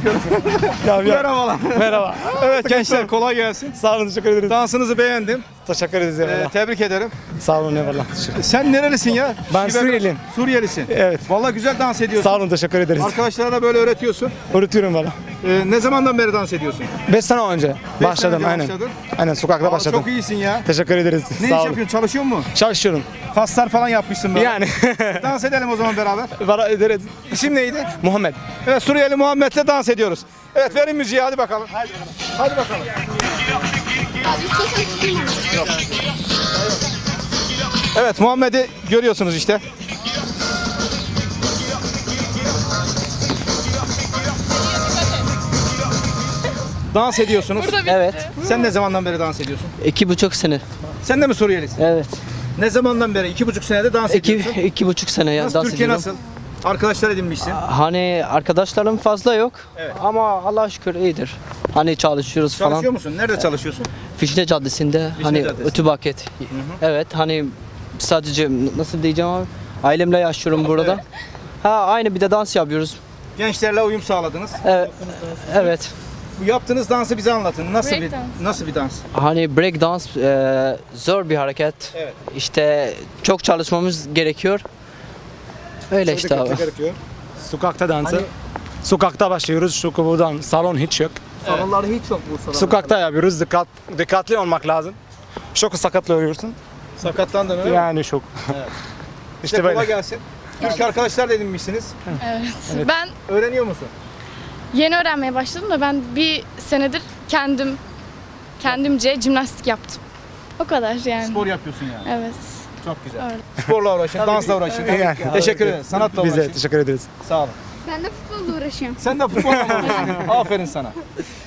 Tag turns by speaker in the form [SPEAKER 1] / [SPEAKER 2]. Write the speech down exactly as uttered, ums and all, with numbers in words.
[SPEAKER 1] yapıyorum. Merhabalar.
[SPEAKER 2] Merhaba.
[SPEAKER 1] Evet gençler kolay gelsin.
[SPEAKER 2] Sağ olun, teşekkür ederiz.
[SPEAKER 1] Dansınızı beğendim.
[SPEAKER 2] Teşekkür ederiz
[SPEAKER 1] Ee,
[SPEAKER 2] eyvallah.
[SPEAKER 1] tebrik ederim.
[SPEAKER 2] Sağ olun eyvallah.
[SPEAKER 1] Sen nerelisin ya?
[SPEAKER 2] Ben
[SPEAKER 1] Şive-
[SPEAKER 2] Suriyeliyim.
[SPEAKER 1] Suriyelisin.
[SPEAKER 2] Evet.
[SPEAKER 1] Vallahi güzel dans ediyorsun.
[SPEAKER 2] Sağ olun, teşekkür ederiz.
[SPEAKER 1] Arkadaşlara da böyle öğretiyorsun.
[SPEAKER 2] Öğretiyorum valla.
[SPEAKER 1] Ee, ne zamandan beri dans ediyorsun?
[SPEAKER 2] beş sene önce
[SPEAKER 1] Beş
[SPEAKER 2] başladım
[SPEAKER 1] sene önce
[SPEAKER 2] aynen.
[SPEAKER 1] başladın.
[SPEAKER 2] Aynen sokakta
[SPEAKER 1] Aa,
[SPEAKER 2] başladım.
[SPEAKER 1] Çok iyisin ya.
[SPEAKER 2] Teşekkür ederiz.
[SPEAKER 1] Ne
[SPEAKER 2] Sağ
[SPEAKER 1] iş
[SPEAKER 2] olun.
[SPEAKER 1] yapıyorsun? Çalışıyor musun?
[SPEAKER 2] Çalışıyorum.
[SPEAKER 1] Kaslar falan yapmışsın böyle.
[SPEAKER 2] Yani.
[SPEAKER 1] Dans edelim o zaman beraber.
[SPEAKER 2] Var ederiz.
[SPEAKER 1] İsim neydi?
[SPEAKER 2] Muhammed.
[SPEAKER 1] Evet, Suriyeli Muhammed'le dans ediyoruz. Evet, verin müziği, hadi bakalım. Hadi bakalım. Evet, Muhammed'i görüyorsunuz işte. Dans ediyorsunuz.
[SPEAKER 3] Evet.
[SPEAKER 1] Sen ne zamandan beri dans ediyorsun?
[SPEAKER 3] İki buçuk sene.
[SPEAKER 1] Sen de mi Suriyelisin?
[SPEAKER 3] Evet.
[SPEAKER 1] Ne zamandan beri? İki buçuk senede dans
[SPEAKER 3] İki,
[SPEAKER 1] ediyorsun.
[SPEAKER 3] iki buçuk sene ya
[SPEAKER 1] Nasıl,
[SPEAKER 3] dans
[SPEAKER 1] Türkiye
[SPEAKER 3] ediyorum.
[SPEAKER 1] nasıl? Arkadaşlar edinmişsin.
[SPEAKER 3] Hani arkadaşlarım fazla yok.
[SPEAKER 1] Evet.
[SPEAKER 3] Ama Allah'a şükür iyidir. Hani çalışıyoruz
[SPEAKER 1] Çalışıyor
[SPEAKER 3] falan.
[SPEAKER 1] musun? Nerede çalışıyorsun?
[SPEAKER 3] Fişne Caddesi'nde hani
[SPEAKER 1] Caddesi.
[SPEAKER 3] Ütü Bucket. Evet hani sadece nasıl diyeceğim abi? Ailemle yaşıyorum burada. Ha aynı bir de dans yapıyoruz.
[SPEAKER 1] Gençlerle uyum sağladınız.
[SPEAKER 3] Evet. Evet.
[SPEAKER 1] Bu yaptığınız dansı bize anlatın. Nasıl
[SPEAKER 4] Break
[SPEAKER 1] bir
[SPEAKER 4] dance.
[SPEAKER 1] nasıl bir dans?
[SPEAKER 3] Hani break dans e, zor bir hareket.
[SPEAKER 1] Evet.
[SPEAKER 3] İşte çok çalışmamız gerekiyor. Öyle işte abi.
[SPEAKER 2] Sokakta dansı. Sokakta başlıyoruz çünkü buradan salon hiç yok.
[SPEAKER 3] Salonları hiç yok Bursa'da.
[SPEAKER 2] Sokakta yapıyoruz. Dikkat, dikkatli olmak lazım. Çok sakatlı oluyorsun.
[SPEAKER 1] Sakatlandın öyle mi?
[SPEAKER 2] Yani çok.
[SPEAKER 1] İşte
[SPEAKER 2] işte
[SPEAKER 1] kolay
[SPEAKER 2] böyle.
[SPEAKER 1] gelsin. Türk arkadaşlar da edinmişsiniz.
[SPEAKER 4] Evet. Ben
[SPEAKER 1] Öğreniyor musun?
[SPEAKER 4] yeni öğrenmeye başladım da ben bir senedir kendim kendimce jimnastik yaptım. O kadar yani.
[SPEAKER 1] Spor yapıyorsun yani.
[SPEAKER 4] Evet.
[SPEAKER 1] Çok güzel.
[SPEAKER 4] Öyle.
[SPEAKER 1] Sporla uğraşın, dansla uğraşın.
[SPEAKER 2] Yani.
[SPEAKER 1] Teşekkür ederiz. Sanatla
[SPEAKER 2] Biz de
[SPEAKER 1] uğraşın.
[SPEAKER 2] teşekkür ederiz.
[SPEAKER 1] Sağ olun.
[SPEAKER 5] Ben de futbolla uğraşıyorum.
[SPEAKER 1] Sen de futbolla uğraşıyorsun. Aferin sana.